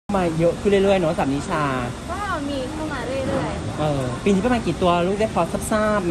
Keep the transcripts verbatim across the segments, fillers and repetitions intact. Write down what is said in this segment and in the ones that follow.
มาเยอะขึ้นเรื่อยๆเนาะสามนิชาก็มีเข้ามาเรื่อยๆเออปีนี้ประมาณกี่ตัวลูกได้พอทราบไหม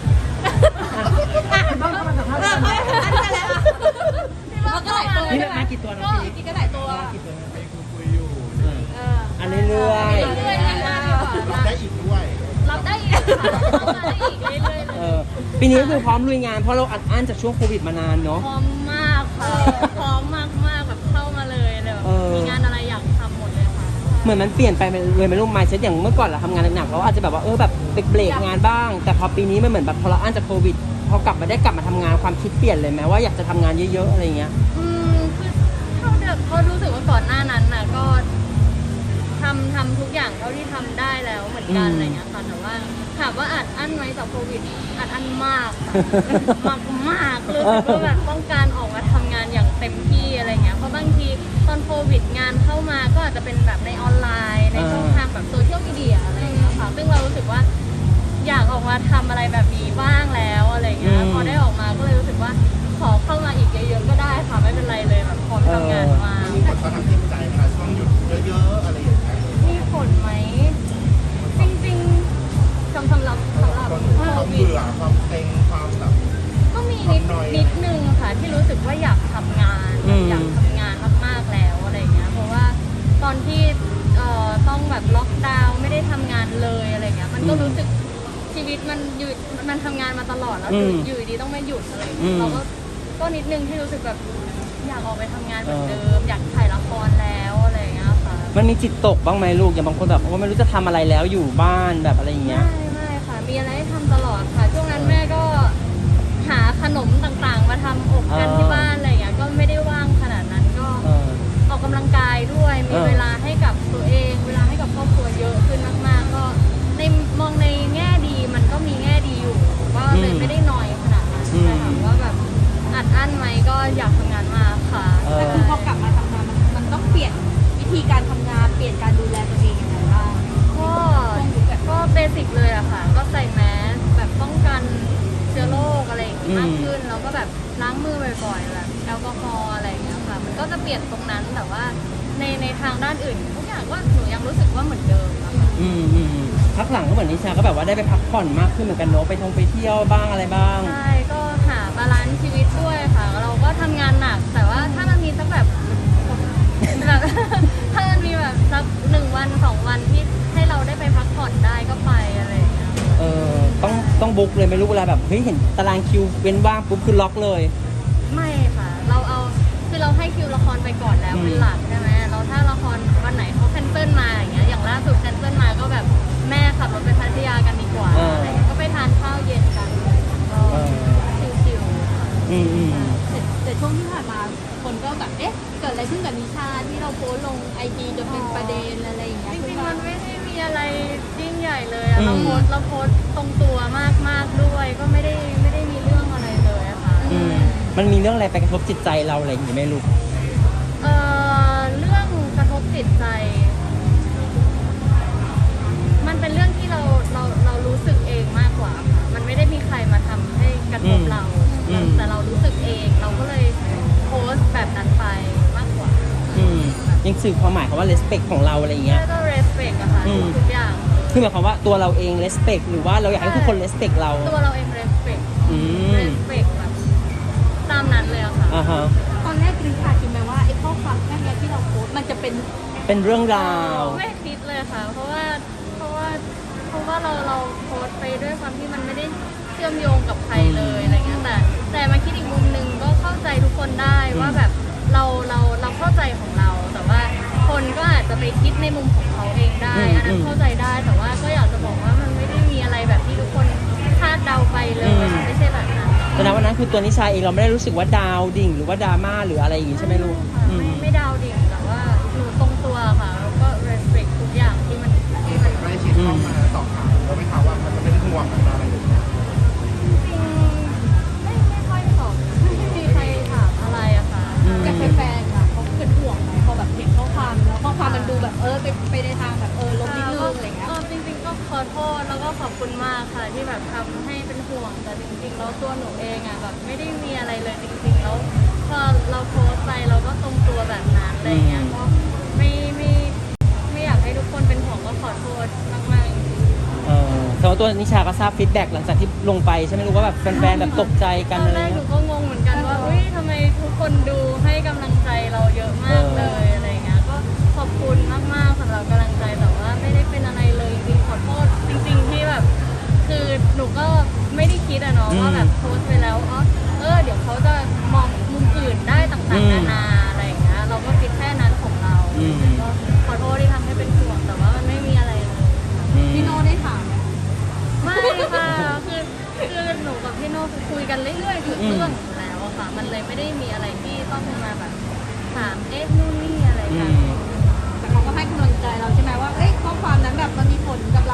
บ้างก็มาสัมภาษณ์กันอันนี้แล้วมันก็หลายตัวนี่มากี่ตัวนะพี่กี่ก็หลายตัวกี่ตัวไปคุยอยู่อันเรื่อยๆเรื่อยๆรับได้อีกด้วยรับได้อีกเข้ามาได้อีกเรื่อยๆเออปีนี้คือพร้อมลุยงานเพราะเราอัดอั้นจากช่วงโควิดมานานเนาะพร้อมมากค่ะพร้อมมากมากแบบเข้ามาเลยเลยมีงานอะไรอยากทำหมดเลยค่ะเหมือนมันเปลี่ยนไปเลยไม่รู้มายเซ็ตอย่างเมื่อก่อนเราทำงานหนักๆเราอาจจะแบบว่าเออแบบเบรกงานบ้างแต่พอปีนี้มันเหมือนแบบพอเราอั้นจากโควิดพอกลับมาได้กลับมาทำงานความคิดเปลี่ยนเลยไหมว่าอยากจะทำงานเยอะๆอะไรเงี้ยอืมคือเท่าเดิมก็รู้สึกว่าก่อนหน้านั้นน่ะก็ทำทำทุกอย่างเท่าที่ทำได้แล้วเหมือนกันอะไรเงี้ยค่ะแต่ว่าถามว่าอัดอั้นไหมจากโควิดอัดอั้นมากมากมากรู้สึกว่าแบบต้องการออกมาทำงานอย่างเต็มที่อะไรเงี้ยเพราะบางทีตอนโควิดงานเข้ามาก็อาจจะเป็นแบบในออนไลน์ในช่องทางแบบโซเชียลมีเดียอะไรเงี้ยค่ะซึ่งเรารู้สึกว่าอยากออกมาทำอะไรแบบนี้บ้างแล้วอะไรเงี้ยพอได้ออกมาก็เลยรู้สึกว่าขอเข้ามาอีกเยอะๆก็ได้ค่ะไม่เป็นไรเลยแบบพร้อมทำงานมามีผลต่อทางจิตใจไหมคะช่วงหยุดเยอะๆอะไรอย่างเงี้ยมีผลไหมจริงๆสำหรับสำหรับโควิดเบื่อความเต็งความแบบก็มีนิดนิดนึงค่ะที่รู้สึกว่าอยากทำงานอยากทำงานมากๆแล้วอะไรเงี้ยเพราะว่าตอนที่เอ่อต้องแบบล็อกดาวน์ไม่ได้ทำงานเลยอะไรเงี้ยมันก็รู้สึกชีวิตมันหยุดมันทำงานมาตลอดแล้วอยู่ดีต้องไม่หยุดอะไรเราก็ก็นิดนึงที่รู้สึกแบบอยากออกไปทำงานเหมือนเดิมอยากถ่ายละครแล้วอะไรเงี้ยค่ะมันมีจิตตกบ้างไหมลูกอย่างบางคนแบบว่าไม่รู้จะทำอะไรแล้วอยู่บ้านแบบอะไรอย่างเงี้ยไม่ไม่ค่ะมีอะไรให้ทำตลอดค่ะช่วงนั้นแม่ก็หาขนมต่างๆมาทำอบกันที่บ้านอะไรเงี้ยก็ไม่ได้ว่างขนาดนั้นก็ออกกำลังกายด้วยมีเวลาให้กับตัวเองเวลาให้กับครอบครัวเยอะขึ้นมากๆก็ในมองในแง่ดีมันก็มีแง่ดีอยู่ก็เลยไม่ได้น้อยขนาดนั้นแต่ถามว่าแบบอัดอั้นไหมก็อยากทำงานมากค่ะแต่คือพอกลับมาทำงานมันมันต้องเปลี่ยนวิธีการทำงานเปลี่ยนการดูแลตัวเองยังไงบ้างก็ก็เบสิกเลยอะค่ะก็ใส่แมสแบบป้องกันเชื้อโรคอะไรอย่างงี้มากขึ้นแล้วก็แบบล้างมือบ่อยๆแบบแอลกอฮอล์อะไรอย่างเงี้ยค่ะมันก็จะเปลี่ยนตรงนั้นแต่ว่าในในทางด้านอื่นทุกอย่างก็หนูยังรู้สึกว่าเหมือนเดิมอะค่ะอืมอืมพักหลังก็เหมือนนิชาก็แบบว่าได้ไปพักผ่อนมากขึ้นเหมือนกันเนาะไปท่องไปเที่ยวบ้างอะไรบ้างใช่ก็หาบาลานซ์ชีวิตด้วยค่ะเราก็ทำงานหนักแต่ว่าถ้ามันมีสักแบบแบบถ้ามันมีแบบสักหนึ่งวันสองวันที่ให้เราได้ไปพักผ่อนได้ก็ไปอะไรอย่างเงี้ยเออต้องต้องบุ๊กเลยไม่รู้เวลาแบบเฮ้ยเห็นตารางคิวเว้นว่างปุ๊บคือล็อกเลยไม่ค่ะเราเอาคือเราให้คิวละครไปก่อนแล้วเป็นหลักใช่ไหมเราถ้าละครวันไหนเขาแคนเซิลมาอย่างเงี้ยอย่างล่าสุดแคนเซิลมาก็แบบแม่ขับรถไปพัทยากันดีกว่าอะไรก็ไปทานข้าวเย็นกันก็ชิวๆค่ะอืมอืมแต่ช่วงที่ผ่านมาคนก็แบบเอ๊ะเกิดอะไรขึ้นกับนิชาที่เราโพสลงไอจีจนเป็นประเด็นอะไรอย่างเงี้ยจริงๆมันไม่ได้มีอะไรยิ่งใหญ่เลยเราโพสเราโพสตรงตัวมากๆด้วยก็ไม่ได้ไม่ได้มีเรื่องอะไรเลยอะค่ะมันมีเรื่องอะไรไปกระทบจิตใจเราอะไรอย่างงี้ไหมลูกเอ่อเรื่องกระทบจิตใจมันเป็นเรื่องที่เราเราเรารู้สึกเองมากกว่าค่ะมันไม่ได้มีใครมาทำให้กระทบเราแต่เรารู้สึกเองเราก็เลยโพสต์แบบนั้นไปมากกว่ายังสื่อความหมายคำว่า respect ของเราอะไรอย่างเงี้ยก็ respect อะค่ะทุกอย่างคือหมายความว่าตัวเราเอง respect หรือว่าเราอยากให้ทุกคน respect เราตัวเราเอง respect respect แบบตามนั้นเลยอะค่ะตอนแรกนิชาคิดไหมว่าไอ้ข้อความแค่นี้ที่เราโพสต์มันจะเป็นเป็นเรื่องราวไม่คิดเลยค่ะเพราะว่าเพราะว่าเพราะว่าเราเราโพสต์ไปด้วยความที่มันไม่ได้เชื่อมโยงกับใครเลยอะไรเงี้ยแต่แต่มาคิดอีกมุมนึงก็เข้าใจทุกคนได้ว่าแบบเราเราเราเข้าใจของเราแต่ว่าคนก็อาจจะไปคิดในมุมของเขาเองได้อันนั้นเข้าใจได้แต่ว่าก็อยากจะบอกว่ามันไม่ได้มีอะไรแบบที่ทุกคนคาดเดาไปเลยไม่ใช่แบบนั้นแต่ณวันนั้นคือตัวนิชาเองเราไม่ได้รู้สึกว่าดาวดิ่งหรือว่าดราม่าหรืออะไรอย่างงี้ใช่ไหมลูกไม่ไม่ดาวดิ่งแต่ว่าหนูตรงตัวค่ะแล้วก็ respect ทุกอย่างที่มันที่มันไม่ชิดเข้ามาสอบถามเราไม่ถามว่ามันจะเป็นห่วงอะไรอย่างเงี้ยจริงไม่ไม่ค่อยสอบไม่มีใครถามอะไรอะค่ะกับแฟนๆค่ะเขาเป็นห่วงไหมพอแบบเห็นข้อความแล้วข้อความมันดูแบบเออไปไปในทางแบบเออลบนิดนึงอะไรเงี้ยจริงๆก็ขอโทษแล้วก็ขอบคุณมากค่ะที่แบบทำให้เป็นห่วงแต่จริงๆแล้วตัวหนูเองอะแบบไม่ได้มีอะไรเลยจริงๆแล้วพอเราโพสต์ไปเราก็ตรงตัวแบบนั้นอะไรเงี้ยก็ไม่ไม่ว่าตัวนิชาก็ทราบฟีดแบ็กหลังจากที่ลงไปใช่ไหมรู้ว่าแบบแฟนๆแบบตกใจกันตออะนไรแรกหนูเงี้ยก็งงเหมือนกันว่าเฮ้ยทำไมทุกคนดูให้กำลังใจเราเยอะมากเลยอะไรเงี้ยก็ขอบคุณมากๆสำหรับกำลังใจแต่ว่าไม่ได้เป็นอะไรเลยจริงๆขอโทษจริง ๆที่แบบคือหนูก็ไม่ได้คิดอะเนาะว่าแบบโพสต์ไปแล้วอ๋อเออเดี๋ยวเขาจะมองมุมอื่นได้ต่างๆนานาอะไรอย่างเงี้ยเราก็คิดแค่นั้นของเราก็ขอโทษที่ทำให้เป็นห่วงแต่ว่ามันไม่มีอะไรเลยอืมพี่โน่ได้ถามไหมไม่ค่ะคือคือหนูกับพี่โน่คือคุยกันเรื่อยๆทุกเรื่องอยู่แล้วอะค่ะ มันเลยไม่ได้มีอะไรที่ต้องมาแบบถามเอ๊ะนู่นนี่อะไรอืกันมแต่เขาก็ให้กำลังใจเราใช่ไหมว่าเอ้ยข้อความนั้นแบบมันมีผลกับ